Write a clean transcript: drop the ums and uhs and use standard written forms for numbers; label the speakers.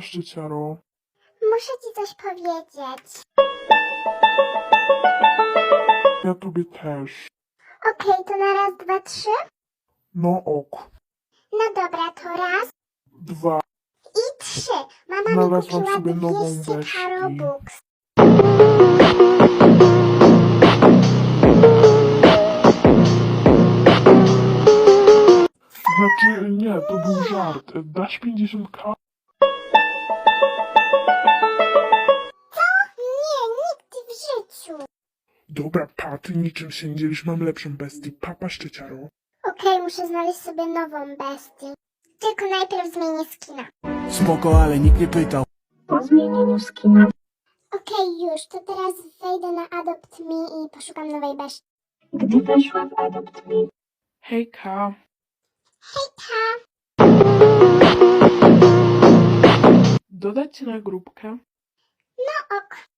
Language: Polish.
Speaker 1: szczyciaro.
Speaker 2: Muszę ci coś powiedzieć.
Speaker 1: Ja tobie też.
Speaker 2: Okej, to na raz, dwa, trzy.
Speaker 1: No ok.
Speaker 2: No dobra, to raz
Speaker 1: 2.
Speaker 2: i trzy. Mama mi
Speaker 1: Znalazłam
Speaker 2: kupiła
Speaker 1: sobie nową
Speaker 2: 200
Speaker 1: weszki.
Speaker 2: Carobooks.
Speaker 1: Znaczy, nie, to był żart. Dasz 50k?
Speaker 2: Nie, nigdy w życiu.
Speaker 1: Dobra, pa, ty niczym się nie dzielisz, mam lepszą bestię. Papa szczyciaro.
Speaker 2: Okej, muszę znaleźć sobie nową bestię. Tylko najpierw zmienię skina.
Speaker 3: Spoko, ale nikt nie pytał.
Speaker 4: Po zmienieniu skina
Speaker 2: Okej, już, to teraz wejdę na Adopt Me i poszukam nowej bestii.
Speaker 4: gdy weszła w Adopt Me,
Speaker 1: Hejka.
Speaker 2: Hejka!
Speaker 1: Dodać cię na grupkę?
Speaker 2: No ok.